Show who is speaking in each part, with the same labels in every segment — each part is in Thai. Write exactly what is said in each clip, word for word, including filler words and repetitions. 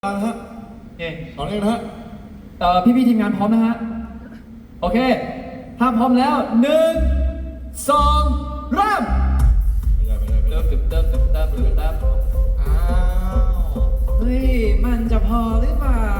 Speaker 1: นะฮะ
Speaker 2: โอเค
Speaker 1: ตอนนี้นะฮะ
Speaker 2: เอ่อพี่พี่ๆทีมงานพร้อมนะฮะ โอเค ถ้าพร้อมแล้วหนึ่งสองเริ่ม
Speaker 1: ไม่ใช่ไม่ใช่ไม่
Speaker 2: เติ
Speaker 1: ใช่
Speaker 2: บเติบเติบเติบเติบเติบอ้าวเฮ้ยมันจะพอหรือเปล่า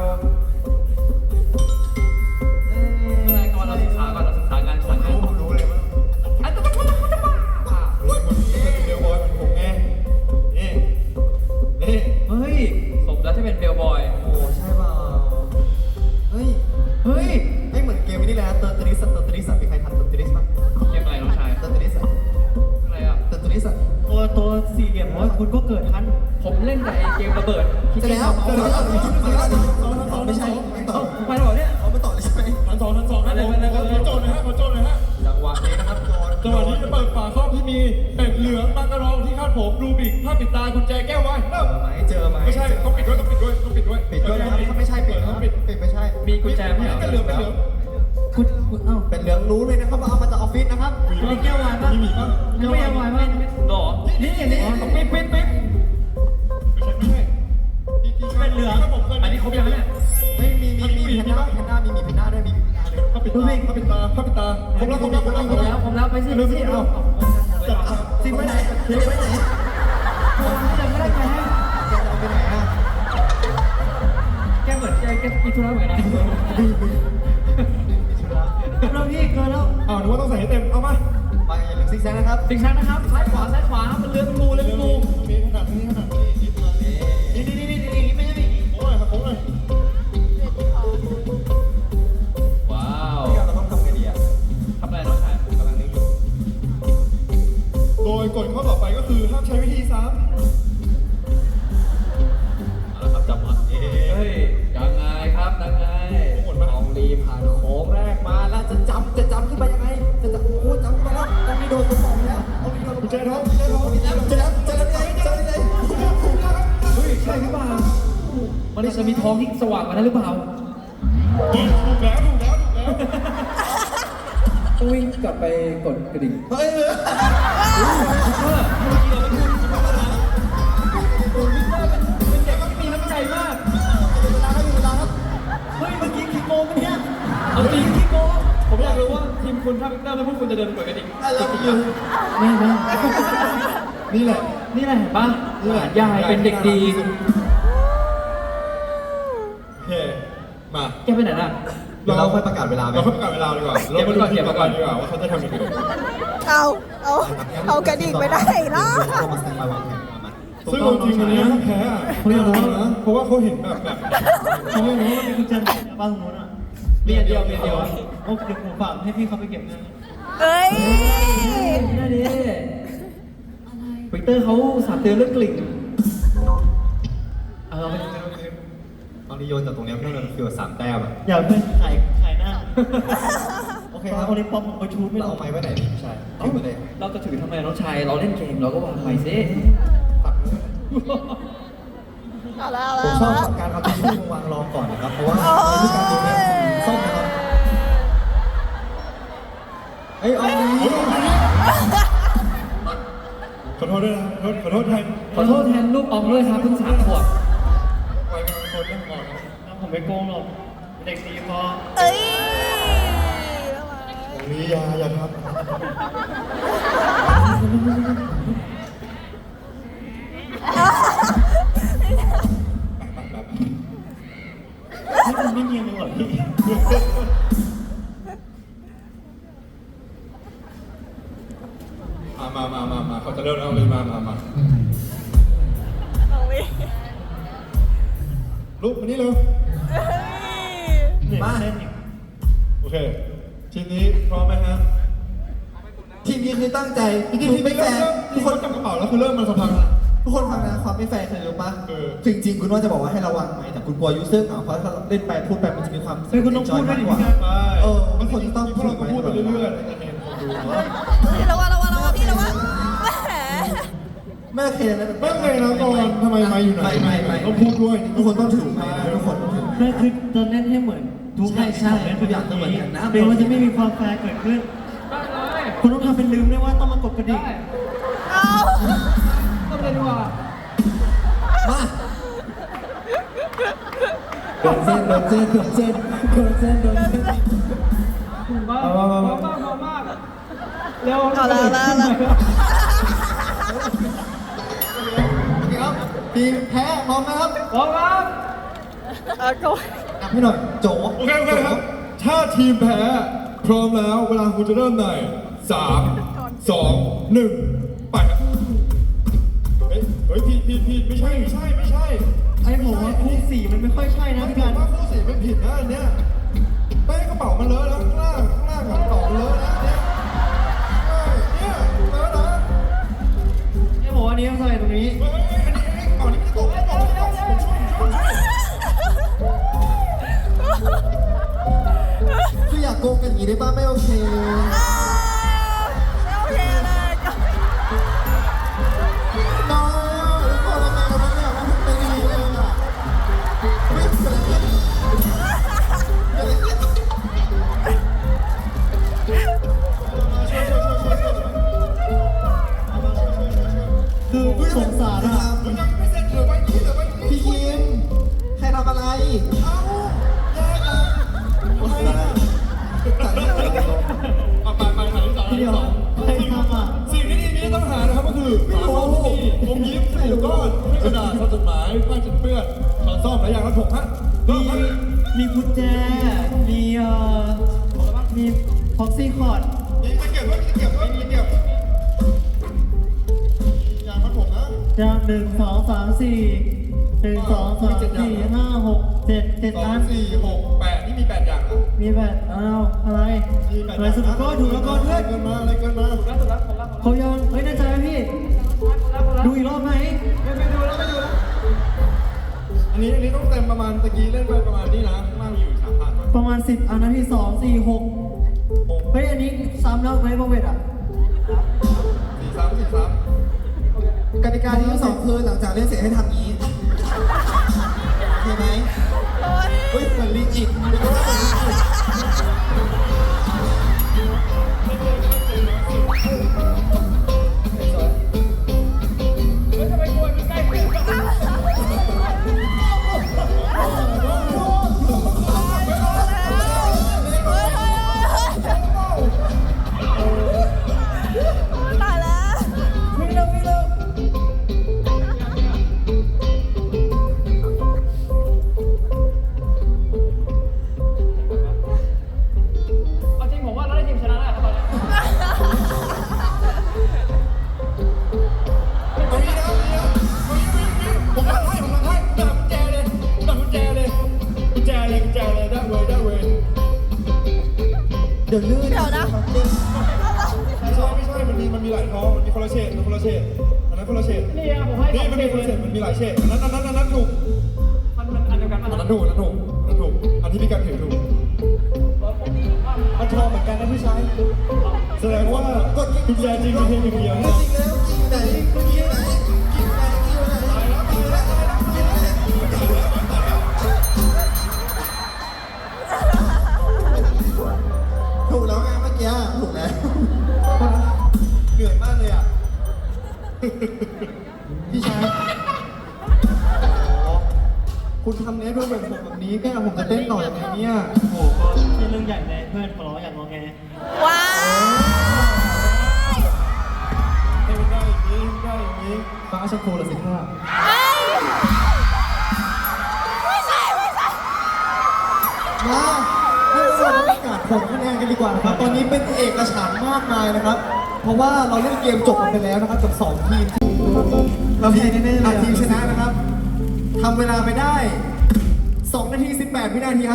Speaker 2: เอ้ยก่อนเราศึกษาก่อนเราศึกษางานก่อน
Speaker 1: รู้รู้เลยว่า
Speaker 2: อันตะตะตะตะตะ
Speaker 1: รู้คนนี้เป็นเบลบอยเป็นผมไงนี่นี่
Speaker 2: เฮ้ยสมแล้วที่เป็นเบลบอย
Speaker 3: โอ้ใช่เปล่าเฮ้ย
Speaker 2: เฮ้ย
Speaker 3: ไม่เหมือนเกมนี้เลยนะเตอร์ตริสเตอร์ตริสมีใครทันเตอร์ตริสป่ะ
Speaker 2: เกมอะไรน้องชาย
Speaker 3: เตอร์ตริส
Speaker 2: อะไรอ่ะ
Speaker 3: เตอร์ตริส
Speaker 4: ตัวตัวสี่เหลี่ยมเพราะว่าคุณก็เกิดทัน
Speaker 2: ผมเล่นแต่ไอ้เกมระเบิดที่
Speaker 3: จะ
Speaker 2: เล่น
Speaker 3: แล้ว
Speaker 2: เอา
Speaker 3: จะ
Speaker 2: เมา
Speaker 3: แล้ว
Speaker 2: ส์
Speaker 3: ไม่ใช่ไม่ต่อ
Speaker 2: เอ้าไปแล้วเหรอเนี่ย
Speaker 3: เอาไม่ต่อเลยใช่ไหม
Speaker 1: ทันสองทันสองนะผมขอโจทย์หนะฮะขอโจทย์หนะฮะ
Speaker 3: จังหวะนี้นะครับโจน
Speaker 1: จังหวะนี้จะเปิดฝาครอบที่มีเป็ดเหลืองมากระรองที่คาดผมรูบิกผ้าปิดตากุญแจแก้วไว้เริ่ม
Speaker 3: ไหมเจอไหม
Speaker 1: ไม่ใช่ต้องปิดด้วยต้องปิดด้วยต้องปิดด้วย
Speaker 3: ปิดด้วยนะครับถ้าไม่ใช่ปิดนะ
Speaker 1: ต้องปิด
Speaker 3: ปิดไม่ใช่
Speaker 2: มีกุญแจไหม
Speaker 1: ไม่
Speaker 2: เหรอ
Speaker 1: เป็นเหลืองเป็นเหลือง
Speaker 4: คุณคุณเอ้า
Speaker 3: เป็นเหลืองรู้เลยนะครับว่าเอามาจากออฟฟิศนะครับ
Speaker 4: มีแก้ววายป่ะ
Speaker 1: มีหมีป่ะ
Speaker 4: ยังไม่ยังวายป่ะ
Speaker 2: หรอนี่นี่ต้องปิ๊บปิ๊บปิ๊บ
Speaker 1: ไม่ใช่ไม่ใช่ครับผมเคย
Speaker 2: อันนี้ครบยังเนี่ย
Speaker 3: ไม่มีมีมีแพนด้าแพนด้ามีมีแพนด้าด้วยมีแพนด้าด้วย
Speaker 1: ผ้าปิดตาผ้าปิดตาผ้าปิดตาครบแล้วครบแล้วครบแล้ว
Speaker 2: ครบแล้วครบแล้วไปสิไปสิเอา
Speaker 3: ซิมไว้ไหนซิมไว้ไหน
Speaker 2: ยังไม่ได้แก
Speaker 3: แกจะเอาไปไหนอ่ะ
Speaker 2: แกเหมือนแกแกกินธุระเหมือนกันนะ
Speaker 4: เราพี่เกินแล้ว
Speaker 1: อ้าวนึกว่าต้องใส่ให้เต็มเอามา
Speaker 3: ไปอย่าลืมซิกแซกนะครับ
Speaker 2: สิงชันนะครับซ้ายขวาซ้ายขวามันเลื้อนงูเลื้อนงู
Speaker 1: มีขนาดนี้ขนาดนี้นิดมานี่
Speaker 3: นี่นี่นี่นี่ไม่ใช่นี่
Speaker 1: โอ้ยครับผมเลย
Speaker 2: ว้าว
Speaker 3: ที่เราต้องทำไงดีอ่ะ
Speaker 2: ทำอะไรน้องชาย
Speaker 3: กำลังนึกอยู่
Speaker 1: โดยกฎข้อต่อไปก็คือห้ามใช้วิธีซ้
Speaker 3: เอาละครับจับมาเอ๊
Speaker 2: เฮ้ยยังไงครับยังไง
Speaker 1: ำหมดมา
Speaker 3: ลองรีผ่านโค้งแรกมาแล้วจะจำจะจำขึ้นไปยังไงจะจำโอ้โหจำไปแล้วต้องมีโดนตัวสองแล้วต้องมีโดน
Speaker 1: กุญแจทองกุญแจทอง
Speaker 3: จะแล้วจะแล้วจะแล้วจะแล้ว
Speaker 2: เฮ้ยใช่หรือเปล่ามันจะมีทองที่สว่างกว่านั้นหรือเปล่า
Speaker 1: ถูกแล้วถูกแล้วถูกแล้ว
Speaker 2: ต้องวิ่งกลับไปกดกระดิ่ง
Speaker 3: เฮ้ย
Speaker 2: เออเมื่อกี้เราเป็นคนธรรมดาคุณวิกเตอร์เป็นเป็นเด็กที่มีน้ำใจมาก
Speaker 3: เวลาครับเวลาครับ
Speaker 4: เฮ้ยเมื่อกี้คิดโกงปะเนี่ย
Speaker 2: เอาจริงที่โกงผมอยากรู้ว่าทีมคุณถ้าวิกเตอร์แล้วพวกคุณจะเดินไปกดกระดิ่ง
Speaker 3: ไอ้เราอยู่
Speaker 2: ไม่ไม่
Speaker 1: นี่แหละ
Speaker 2: นี่แหละเห็นปะยายเป็นเด็กดี
Speaker 1: โอเคมา
Speaker 2: แกไปไหนน่ะ
Speaker 3: เดี๋ยวเราค่อยประกาศเวลาไหม
Speaker 1: เราค่อยประกาศเวลาดีกว่าเรามาดูทีมก่อนดีกว่าว่าเขาจะทำยังไง
Speaker 5: เอาเอาเอากระดิ่งไปได้เนาะ
Speaker 3: เรามาสแตนบายวางแผนมา
Speaker 1: ซึ่งเอาจริงวันนี้ถ้าแพ้อะเขาเรียกว่านะเพราะว่าเขาเห็นแบบแบบ
Speaker 4: เขาไม่รู้ว่ามีกุญแจบ้านตรงนู้นอ่ะ
Speaker 2: เรียนเดียวเรียนเดียว
Speaker 4: โอ้เดี๋ยวผมฝากให้พี่เขาไปเก็บนะ
Speaker 5: เอ้ย
Speaker 2: นั่นดิวิกเตอร์เขาสาเตือนเรื่องกลิ่นเอาไป
Speaker 3: ตอนนี้โยนจากตรงนี้เพื่อนมันฟิวสามแต้มอ่ะ
Speaker 4: อย่าเพื่อนขายขายหน้าโอเคครับวันนี้ป๊อปผมไปชูดไม่
Speaker 3: เรา
Speaker 4: เอา
Speaker 3: เอาไม้ไว้ไหนดีใช่ถือไปเลย
Speaker 2: เราจะถือทำไมน้องชายเราเล่นเกมเราก็วางไปสิ
Speaker 3: ตัดมือ
Speaker 5: เอาแล้ว
Speaker 3: ผม
Speaker 5: เอา
Speaker 3: ชอบ
Speaker 5: แล้ว
Speaker 3: การเอาทิชชู่มาวางรองก่อนนะครับ เพราะว่าในการดูเนี่ยส้มนะครับเฮ้ยเอาดี
Speaker 1: ขอโทษด้วยนะขอโทษแทน
Speaker 2: ขอโทษแทนลูกออมด้วยครับเพิ่งสามขวบ
Speaker 1: ไว้เป็นคนเรื่องก่อนนะ
Speaker 4: ผมไม่โกงหรอกเด็กดีพอ
Speaker 5: เอ้ย
Speaker 1: ตรงนี้อย่าอย่าท
Speaker 4: นี่มันไม่เนียนเลยเหรอพี่
Speaker 1: ำมามามามาเขาจะเริ่มแล้วเลยมามามา
Speaker 5: เอาวิ
Speaker 1: ลุกมานี่เร็ว
Speaker 5: เอ้ย
Speaker 4: เหนื่อยเล่นอีก
Speaker 1: โอเคทีนี้พร้อมไหมฮะ
Speaker 3: ทีมนี้คือตั้งใจที
Speaker 1: ที
Speaker 3: มนี้ไม่แฟร์
Speaker 1: ทุกคนจับกระเป๋าแล้วคือเริ่มมาสักพัก
Speaker 3: ทุกคนฟังนะความไม่แฟร์คือรู้ปะ
Speaker 1: คือ
Speaker 3: จริงๆคุณว่าจะบอกว่าให้ระวังไหมแต่คุณกลัวยูเซอร์เหงาเพราะถ้าเล่นไปพูดไปมันจะมีความ
Speaker 4: เฮ้ยคุณต้องพูดด้วยดิ
Speaker 3: กว่า
Speaker 4: พี่ครับ
Speaker 1: ใช่
Speaker 3: เออมันคนต้อง
Speaker 1: พวกเราก็พูดไปเรื่อยๆจะเห็นคนดูว่า
Speaker 5: ระวังระวังระวังพี่ระวังแหม
Speaker 3: แม่เคยนะ
Speaker 1: ไม่เคยนะก่อนทำไมไม่อยู่ไหน
Speaker 3: ไม่ไม่ไม่
Speaker 1: ต้องพูดด้วย
Speaker 3: ทุกคนต้องถือไม้นะทุกคนต้องถือ
Speaker 4: นั่นคือจะเล่นให้เหมือนทุก
Speaker 3: ใช่ใช่
Speaker 4: เล่น
Speaker 3: ทุกอย่างต้องเหมือนกันนะ
Speaker 4: เดี๋ยวมันจะไม่มีความแฟร์เกิดขึ้น
Speaker 2: ได้เลย
Speaker 4: คุณต้องทำเป็นลืมด้วยว่าต้องมากดกระดิ่ง
Speaker 2: ได้
Speaker 5: เอา
Speaker 2: ต้องเล่นดีกว่า
Speaker 3: มาโดนเส้นโดนเส้นโดนเส้นโดนเส้นโดนเส้น
Speaker 2: มาพร้อมมากพร้อมมากเร็ว
Speaker 5: เอาละเอาละเอาละ
Speaker 3: เดี๋ยวทีมแพ้พร้อมไหมครับ
Speaker 2: พร้อมครับ
Speaker 5: เอาก็
Speaker 3: นับให้หน่อยโจ
Speaker 1: โอเคโอเคครับ ถ้าทีมแพ้พร้อมแล้วเวลาคุณจะเริ่มในสามสองหนึ่งไปครับเฮ้ยเฮ้ยผิดผิดผิดไม่ใช่ไม่ใช่ไม่ใช่
Speaker 4: ไอ้ผมว่าคู่สี่มันไม่ค่อยใช่นะ
Speaker 1: ไม่
Speaker 4: พี่
Speaker 1: ผิ
Speaker 4: กั
Speaker 1: ด
Speaker 4: น
Speaker 1: ว่าคู่สี่ไม่ผิดนะอันเนี้ยไปกระเป๋ามันเลอะแล้วข้างล่างข้างล่างของกระเป๋ามันเลอะนะเนี่ยเนี่ยเลอะนะ
Speaker 4: ไอ้ผมว่าอันนี้ต้องใส่ตรงนี้
Speaker 1: เฮ้ยอันนี้อันนี้กระเป๋านี้มันจะตกกระเป๋านี้จะตกผมช่วยผมช่วยผมช่วย
Speaker 3: คืออยากโกงกันอย่างนี้ได้ป่ะไม่โอเค
Speaker 5: ไม่โอเคเลยก็
Speaker 3: น้องทุกคนทำไมกันวะเนี่ยมันเป็นอย่างนี้เลยอ่ะไม่เกิดอะไรขึ้นเกิดอะไรขึ้น
Speaker 4: คือสงสารอ่ะ
Speaker 1: เดี๋ยวยังไม่เสร็จเหลือไว้นี้เหลือไว้นี้
Speaker 3: พี่คิมใครทำอะไร
Speaker 1: เอ้าแย่จังทำไมล่ะเอาไปไปถ่ายที่สองถ่าย
Speaker 4: เดี๋
Speaker 1: ที่
Speaker 4: ยว
Speaker 1: สอง
Speaker 4: ใครทำอ่ะ
Speaker 1: สิ่งที่ทีมนี้ต้องหานะครับก็คือฝาโลงที่มีอมยิ้มใส่ลูกก้อนให้กระดาษทำจดหมายผ้าเช็ดเปื้อนช้อนส้อมและยางรัดผมฮะเริ่
Speaker 4: มี
Speaker 1: มครับ
Speaker 4: มีกุญแจ มีเอ่อมีพ็อกซี่คอร์ด
Speaker 1: มีตะเกียบด้วยมีตะเกียบด้วยมีตะเกียบยางรัดผมนะ
Speaker 4: จะหนึ่งสองสามสี่หนึ่งสองสามสี่ห้าหกเจ็ดเจ็ด
Speaker 1: สอ
Speaker 4: อั
Speaker 1: ง
Speaker 4: น
Speaker 1: สี่หกแปดนี่มีแปดอย่างนะ
Speaker 4: มีแบบอ้าวอะไร
Speaker 1: มีแปด
Speaker 4: อะไรสุดก็ถูกแล้วก็
Speaker 1: อะไร
Speaker 4: ด้วย
Speaker 1: เกินมาอะไรเกินมา
Speaker 4: เขายังเฮ้ยแน่ใจไหมพี่ ดูอีกรอบไหม
Speaker 2: ไม่ไปดูแล้วไม่ดูแล้ว
Speaker 1: อันนี้อันนี้ต้องเต็มประมาณตะกี้เล่นไปประมาณนี้นะข้างล่างมีอยู่สามพัน
Speaker 4: ประมาณสิบอันนะพี่สองสี่หกเฮ้ยอันนี้ซ้ำแล้วไหมโปรเวทอ่ะ
Speaker 1: สี่สามสี่สาม
Speaker 3: กติกาที่ทั้งสองคือหลังจากเล่นเสร็จให้ทำอย่างนี้โอเคไหม
Speaker 5: โอ๊ย
Speaker 3: เฮ้ยเหมือนลิงอีกเหมือนลิงอีก
Speaker 2: เฮ้ยทำไมกลัวมันใกล้ขึ้น
Speaker 5: ตายแล้ว
Speaker 4: วิ่งเร็ววิ่งเร็ว
Speaker 2: เอาจริงผมว่าเราได้ทีมชนะแล้วครับตอนนี้
Speaker 1: เอางี้นะเอางี้นะเอางี้เอางี้ผมรักให้ผมรักให้ผมดักกุญแจเลยผมดักกุญแจเลยกุญแจเลยกุญแจเลยได้เว้ยได้เว้ย
Speaker 3: เดี๋ยวลื่น
Speaker 5: เดี๋ยวนะ
Speaker 1: ไม่ใช่ไม่ใช่มันมีมันมีหลายท้องมันมีคนละเฉดมันคนละเฉดอันนั้นคนละเฉด
Speaker 2: นี่อะผมให้
Speaker 1: นี่มันมีคนละเฉดมันมีหลายเฉดอันนั้นอันนั้นอันนั้นถูก
Speaker 2: มันมันอันเดียวกัน
Speaker 1: อัน
Speaker 2: มัน
Speaker 1: นั้นถูกอันนั้นถูกอันนั้นถูกอันที่พี่กันถือถูก
Speaker 3: มันทองเหมือนกันนะพี่ชาย
Speaker 1: แสดงว่ากดกุญแจจริงมีเพียงหนึ่งเดียวนะ
Speaker 3: จริงแล้วจริงไหนจริงไหนจริงไหนจริงไหนจริงไหนจริงไหนถูกแล้วไงเมื่อกี้ถูกแล้วเหนื่อยมากเลยอ่ะพี่ชายคุณทำเนี้ยด้วยแบบผมแบบนี้แกผมจะเต้นหน่อยยังไงเนี่ย
Speaker 4: โอ้โหก็เป็นเรื่องใหญ่เลยเพื่อนขอร้องอย่างงอแง
Speaker 5: ว้าว
Speaker 1: ให้มันได้อย่างนี้ได้อย่างนี้
Speaker 3: ฟ้าชมพูละสิท่า
Speaker 5: เอ้ยไม่ใช่ไม่ใช่
Speaker 3: มาให้เราประกาศผลคะแนนกันดีกว่านะครับ ตอนนี้เป็นเอกฉันท์มากมายนะครับ เพราะว่าเราเล่นเกมจบกันไปแล้วนะครับกับสองทีมเราทีมแน่ๆเลยทีมชนะนะครับทำเวลาไปได้สองนาทีสิบแปดวินาทีครับ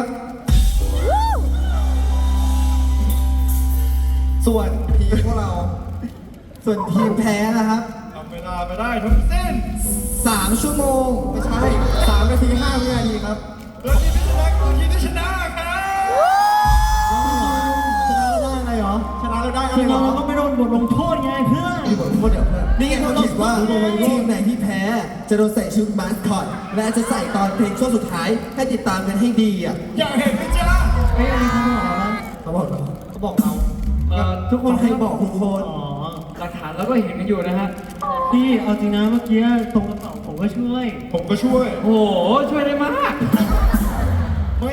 Speaker 3: ส่วนทีมพวกเรา ส่วนทีมแพ้นะครับ
Speaker 1: ทำเวลาไปได้ทั้งสิ้น
Speaker 3: สามชั่วโมงไม่ใช่สามนาทีห้าวินาทีครับ
Speaker 1: แล้วทีมที่ชนะคือทีมที่ชนะครับ
Speaker 3: ชนะแล้วได้อะไรเหรอชนะแล้วได้อะไร
Speaker 4: ทีม
Speaker 3: เหร
Speaker 4: เรา
Speaker 3: อ
Speaker 4: เราก็ไม่โดนบทลงโทษไงเพื่อน
Speaker 3: มีบทลงโทษเดี๋ยวเพื่อนนี่ไงเขาคิดว่าทีมไหนที่แพ้จะโดนใส่ชุดมาสคอตและจะใส่ตอนเพลงช่วงสุดท้ายให้ติดตามกันให้ดีอ่ะ
Speaker 1: อยากเห็นไหมจ๊ะ
Speaker 4: เฮ้ยอันนี้เขาบอกเรา
Speaker 3: เขาบอกเราเขาบอกเรา
Speaker 2: เอ่อ
Speaker 4: ทุกคน
Speaker 3: เขาให้บอกทุกคน
Speaker 4: อ๋อ
Speaker 2: หลักฐานเราก็เห็นกันอยู่นะฮะ
Speaker 4: พี่เอาจริงนะเมื่อกี้ตรงกระเป๋าผมก็ช่วย
Speaker 1: ผมก็ช่วย
Speaker 2: โอ้โหช่วยได้มาก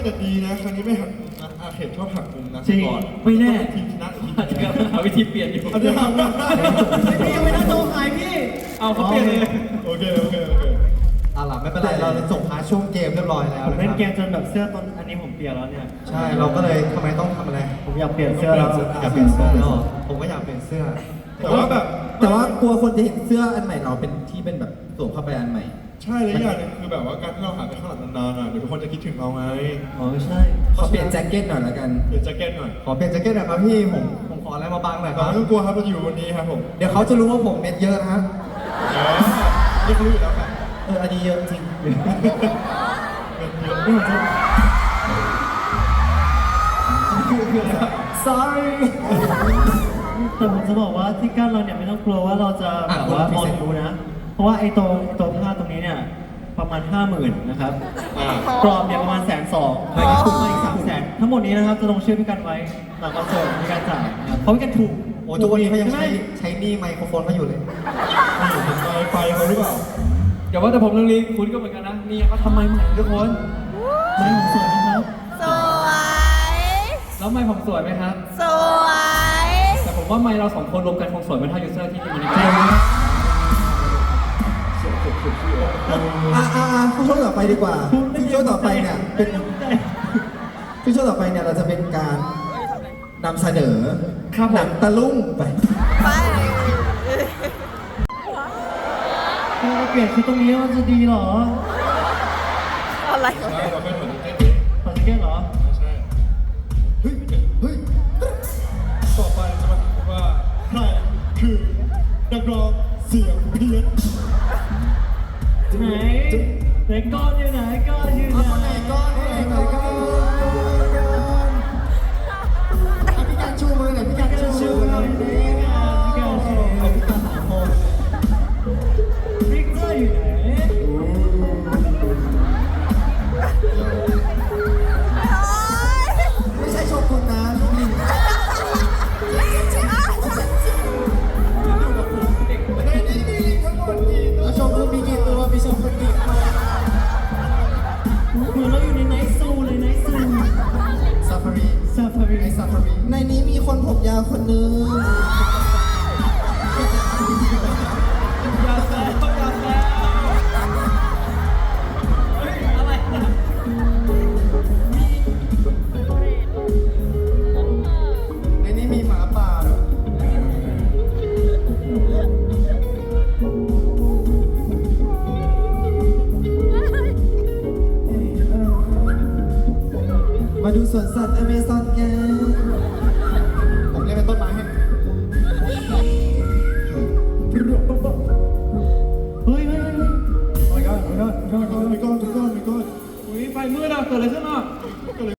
Speaker 1: แต่ดีนะครั้งนี้ไม่หักมุมนะอาเขตชอบหักมุมนะ
Speaker 2: จริง
Speaker 1: ก่อน
Speaker 2: ไม่แน่
Speaker 1: ทีมชนะทีม
Speaker 2: อาจจะหาวิธีเปลี่ยนอยู่
Speaker 1: อันนี้หักมุมได้
Speaker 4: พี่ยังไม่ได้โตขายพี่
Speaker 2: เอาเขาเปลี่ยนเลย
Speaker 1: โอเคโอเคโอเค
Speaker 3: เอาล่ะไม่เป็นไรเราส่งพาช่วงเกมเรียบร้อยแล้ว
Speaker 4: ผม
Speaker 3: นะค
Speaker 4: เล่น
Speaker 3: รับ
Speaker 4: เกมจนแบบเสื้อตอนอันนี้ผมเปลี่ยนแล้วเนี่ย
Speaker 3: ใช่เราก็เลยทำไมต้องทำอะไร
Speaker 4: ผมอยากเปลี่ยนเสื้อแล้ว
Speaker 3: อยากเปลี่ยนเสื้อแล้วเหรอผมก็อยากเปลี่ยนเสื้อ
Speaker 1: แต่ว่าแบบ
Speaker 6: แต่ว่ากลัวคนจะเห็นเสื้ออันใหม่เราเป็นที่เป็นแบบสวมเข้าไปอันใหม่
Speaker 1: ใช่เลยอย่างหนึงคือแบบว่าการที่เราหายไปข้างหลังนานๆอ่ะเดี๋ยวทุกคนจะคิดถึงเราไง
Speaker 4: อ๋อใช่
Speaker 6: ขอเปลี่ยนแจ็คเก็ตหน่อยละกัน
Speaker 1: เปลี่ยนแจ็คเก็ตหน่อย
Speaker 3: ขอเปลี่ยนแจ็คเก็ตหน่อยครับพี่ผมผมขออะไรมาบังหน่อยค
Speaker 1: แต่
Speaker 3: รับ
Speaker 1: ไม่ต้องกลัวครับเราอยู่วันนี้ครับผม
Speaker 3: เดี๋ยวเขาจะรู้ว่าผมเม็ดเยอะนะฮะ
Speaker 1: เออนี่รู้อยู่แล้วครับ
Speaker 3: เอออันนี้เยอะจริง
Speaker 1: เงินเยอะ
Speaker 4: นี่ผมจะ
Speaker 3: sorry
Speaker 4: แต่ผมจะบอกว่าที่กั้นเราเนี่ยไม่ต้องกลัวว่าเราจะแบบว่าออนรู้นะ เพราะว่าไอ้ตัวตัวผ้าตรงนี้เนี่ยประมาณห้าหมื่นนะครับ
Speaker 1: อ่า
Speaker 4: กรอบเนี่ยประมาณแสนสองไม่ก็ถูกมาอีกสามแสนทั้งหมดนี้นะครับจะลงชื่อพี่กันไว้หลังคอนเสิร์ตมีการจ่ายนะครับเพราะพี่กันถูก
Speaker 3: โอ้ทุกวันนี้เขายังใช้
Speaker 4: ช่ไหม
Speaker 3: ใช้หนี่ไมโครโฟนเขาอยู่เลย
Speaker 1: นี่เห็นไฟไฟเขาหรือเปล่า
Speaker 2: อย่าว่าแต่ผมเรื่องนี้คุณก็เหมือนกันนะนี่เขาทำไมใหม่ทุกคน
Speaker 4: ไม่ผมสวยนะครับ
Speaker 5: สวย
Speaker 2: แล้วไม่ผมสวยไหมครับ
Speaker 5: สวย
Speaker 2: แต่ผมว่าไม่เราสองคนรวมกันคงสวยไม่เท่ายูเซอร์ที่มีใน
Speaker 4: จริ
Speaker 2: เก
Speaker 4: ง
Speaker 2: ม
Speaker 6: อ่ะอ่ะอ่ะช่วงต่อไปดีกว่าซึ่งช่วงต่อไปเนี่ยเป็นซึ่งช่วงต่อไปเนี่ยเราจะเป็นการนำเสนอ
Speaker 2: ครับผ
Speaker 6: หนั
Speaker 2: ม
Speaker 6: งตะลุ่งไป
Speaker 5: ไป
Speaker 4: ถ้าเราเปลี่ยนชุดตรงนี้มันจะดีเหรอ
Speaker 5: อะไร
Speaker 1: ใช่เราเป็นเหมือนเต้น
Speaker 4: ขอจะเก้นเหรอ
Speaker 1: ใช่เฮ้ยเฮ้ยต่อไปจะมาถามว่าใครคือนักร้องเสียงเพี้ยน
Speaker 4: ไหนไหนก้อนอยู่ไหนก้อนอยู่ไหน
Speaker 3: ก้อนไหนก้อนพี่การชูมือหน่อยพี่การชู
Speaker 4: ชู
Speaker 3: มือห
Speaker 4: ห
Speaker 3: น่
Speaker 4: น่
Speaker 3: อ
Speaker 4: อย ยดิพี่การชู
Speaker 3: เอาพี่การหาโม
Speaker 4: พิกเกอร์อยู่ไหน
Speaker 3: ไม่ใช่โชกุนนะลูกลิงในนี้มีลิงทั้งหมดกี่ตัวโชกุนมีกี่ตัวมีโชกุนกี่ตัว
Speaker 4: เหมือนเราอยู่ในไนท์ซูเลยไนท์ซู
Speaker 3: ซาฟารี
Speaker 4: ซาฟารี
Speaker 3: ไอซาฟารี
Speaker 6: ในนี้มีคนผมยาวคนนึง
Speaker 2: อย่าแซวอย่าแซวเฮ้ยอะไรนะ
Speaker 3: ในนี้มีหมาป่าด้วยมาดูสวนสัตว์อเมซอนกันผมเล่นเป็นต้นไม้ให้
Speaker 4: เฮ้ยเฮ้ยเฮ้ย
Speaker 1: โอ้ยก้อนโอ้ยก้อนโอ้ยก้อนโอ้ยก้อนโอ้ยก้อน
Speaker 2: อุ้ยไฟมืดอ่ะเกิดอะไรขึ้นอ่ะ